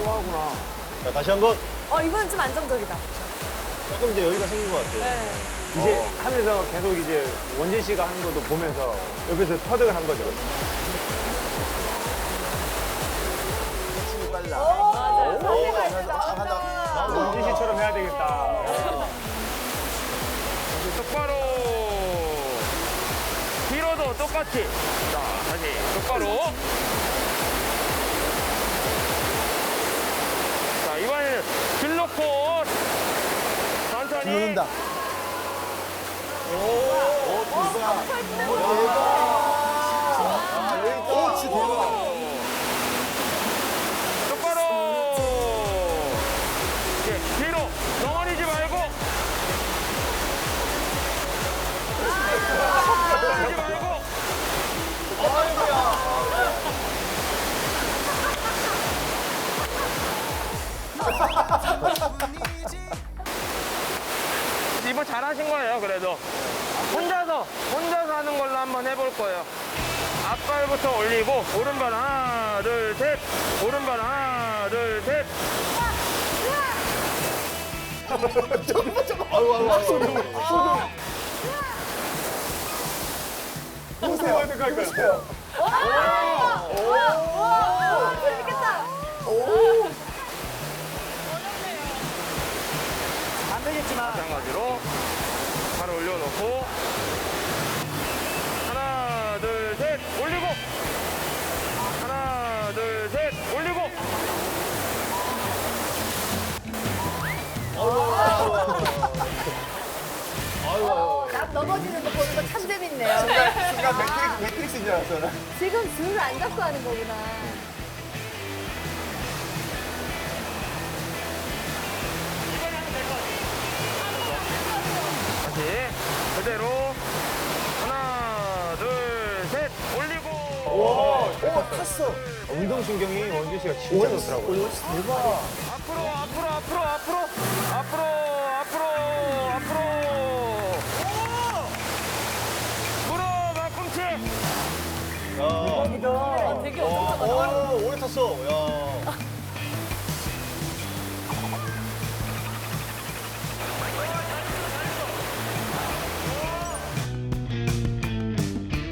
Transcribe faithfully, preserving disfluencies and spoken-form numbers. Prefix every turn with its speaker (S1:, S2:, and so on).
S1: 하구나.
S2: 자, 다시 한 번.
S3: 어, 이번엔 좀 안정적이다.
S2: 조금 이제 여유가 생긴 것 같아요.
S3: 네.
S1: 이제 하면서 계속 이제 원진 씨가 하는 것도 보면서 옆에서 터득을 한 거죠.
S4: 힘이 빨라.
S3: 맞아요. 상대가
S4: 오,
S3: 이제
S4: 나온다.
S3: 나온다.
S1: 원진 씨처럼 해야 되겠다.
S5: 똑바로. 뒤로도 똑같이. 자, 다시 똑바로. 자, 이번에는 길 놓고 천천히.
S4: 누른다. 오, 진짜 대박.
S5: 똑바로. 예, 뒤로 덩어리지 말고. 덩어리지 말고. 이번 잘하신 거예요, 그래도. 혼자서, 혼자서 하는 걸로 한번 해볼 거예요. 앞발부터 올리고, 오른발 하나, 둘, 셋. 오른발 하나, 둘, 셋.
S4: 아유, 아유, 아유.
S1: 보세요. 어떻게 할 거야?
S3: 와, 재밌겠다.
S1: 안 되겠지만.
S5: 마찬가지로 발 올려놓고 하나 둘 셋 올리고 하나 둘 셋 올리고
S3: 남 넘어지는 거 보는 거 참 재밌네요.
S4: 순간 매트릭스, 매트릭스인 줄 알았어. 나.
S3: 지금 줄을 안 잡고 하는 거구나.
S5: 다시 그대로 하나 둘 셋 올리고
S4: 오, 탔어.
S1: 운동신경이 원진 씨가 진짜 좋더라고요.
S4: 오, 대박.
S5: 앞으로 앞으로 앞으로 앞으로 앞으로 앞으로 앞으로 물어 막꿈치
S2: 야.
S3: 아, 되게 엄청
S2: 오, 오래 탔어. 야.